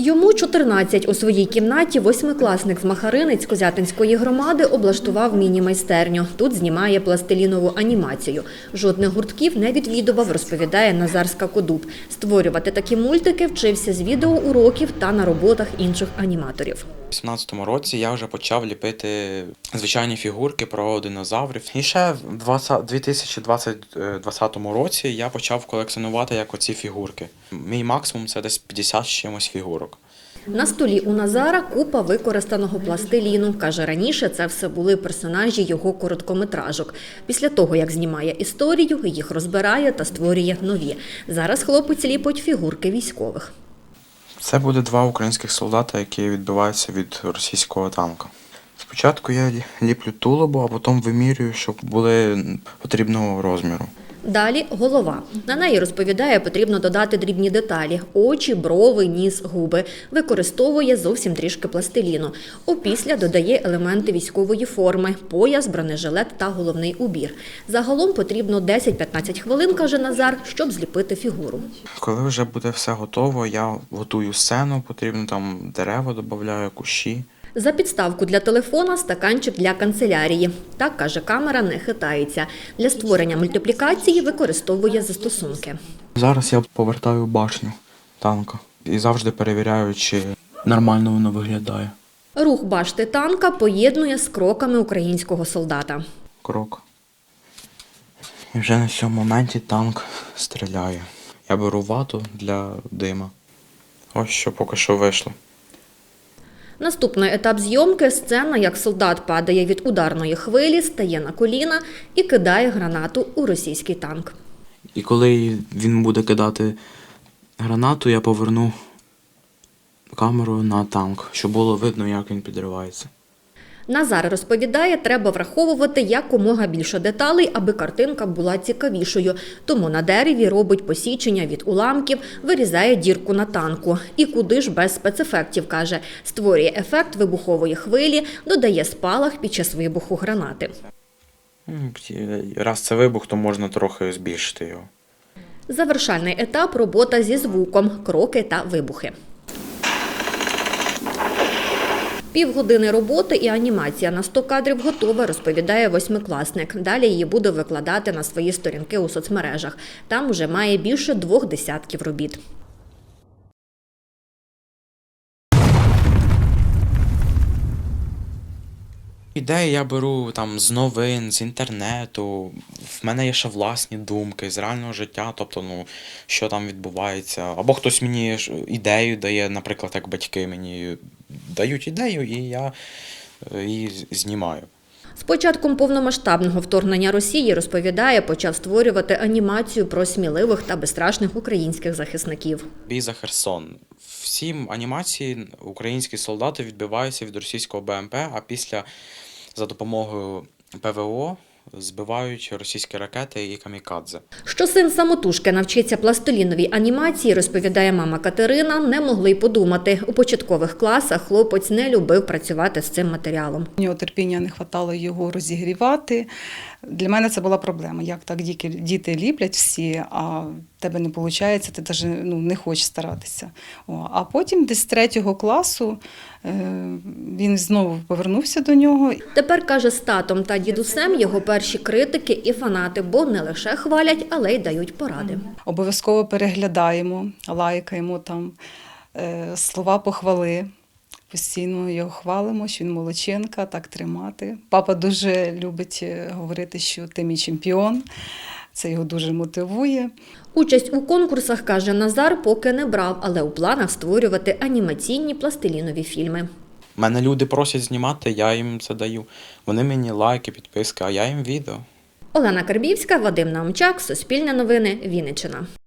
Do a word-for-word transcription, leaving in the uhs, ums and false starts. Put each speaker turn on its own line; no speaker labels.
Йому чотирнадцять. У своїй кімнаті восьмикласник з Махаринець Козятинської громади облаштував міні-майстерню. Тут знімає пластилінову анімацію. Жодних гуртків не відвідував, розповідає Назар Скакодуб. Створювати такі мультики вчився з відеоуроків та на роботах інших аніматорів.
У вісімнадцятому році я вже почав ліпити звичайні фігурки про динозаврів. І ще в дві тисячі двадцятому році я почав колекціонувати як оці фігурки. Мій максимум – це десь п'ятдесят з чимось фігурок.
На столі у Назара купа використаного пластиліну. Каже, раніше це все були персонажі його короткометражок. Після того, як знімає історію, їх розбирає та створює нові. Зараз хлопець ліпить фігурки військових.
Це буде два українських солдата, які відбиваються від російського танка. Спочатку я ліплю тулубу, а потім вимірюю, щоб були потрібного розміру.
Далі голова. На неї, розповідає, потрібно додати дрібні деталі – очі, брови, ніс, губи. Використовує зовсім трішки пластиліну. Опісля додає елементи військової форми – пояс, бронежилет та головний убір. Загалом потрібно десять-п'ятнадцять хвилин, каже Назар, щоб зліпити фігуру.
Коли вже буде все готово, я готую сцену, потрібно там дерева, додаю, кущі.
За підставку для телефона – стаканчик для канцелярії. Так, каже, камера не хитається. Для створення мультиплікації використовує застосунки.
Зараз я повертаю башню танка і завжди перевіряю, чи нормально воно виглядає.
Рух башти танка поєднує з кроками українського солдата.
Крок. І вже на цьому моменті танк стріляє. Я беру вату для дима. Ось що поки що вийшло.
Наступний етап зйомки – сцена, як солдат падає від ударної хвилі, стає на коліна і кидає гранату у російський танк.
І коли він буде кидати гранату, я поверну камеру на танк, щоб було видно, як він підривається.
Назар розповідає, треба враховувати якомога більше деталей, аби картинка була цікавішою. Тому на дереві робить посічення від уламків, вирізає дірку на танку. І куди ж без спецефектів, каже. Створює ефект вибухової хвилі, додає спалах під час вибуху гранати.
Раз це вибух, то можна трохи збільшити його.
Завершальний етап – робота зі звуком, кроки та вибухи. Півгодини роботи і анімація на сто кадрів готова, розповідає восьмикласник. Далі її буде викладати на свої сторінки у соцмережах. Там уже має більше двох десятків робіт.
Ідеї я беру там з новин, з інтернету. В мене є ще власні думки з реального життя, тобто, ну, що там відбувається. Або хтось мені ідею дає, наприклад, як батьки мені дають ідею, і я її знімаю.
З початком повномасштабного вторгнення Росії, розповідає, почав створювати анімацію про сміливих та безстрашних українських захисників.
Бій за Херсон. Всі анімації українські солдати відбиваються від російського Б М Пе, а після за допомогою Пе Ве О збивають російські ракети і камікадзе.
Що син самотужки навчиться пластиліновій анімації, розповідає мама Катерина, не могли й подумати. У початкових класах хлопець не любив працювати з цим матеріалом.
У нього терпіння не вистачало його розігрівати. Для мене це була проблема. Як так діти ліплять всі, а в тебе не виходить, ти навіть ну, не хочеш старатися. О, а потім десь з третього класу е, він знову повернувся до нього.
Тепер, каже, з татом та дідусем його перші критики і фанати, бо не лише хвалять, але й дають поради.
Обов'язково переглядаємо, лайкаємо там е, слова похвали. Постійно його хвалимо, що він молодчинка, так тримати. Папа дуже любить говорити, що ти мій чемпіон. Це його дуже мотивує.
Участь у конкурсах, каже Назар, поки не брав, але у планах створювати анімаційні пластилінові фільми.
Мене люди просять знімати, я їм це даю. Вони мені лайки, підписки, а я їм відео.
Олена Карбівська, Вадим Наумчак, Суспільне новини, Вінниччина.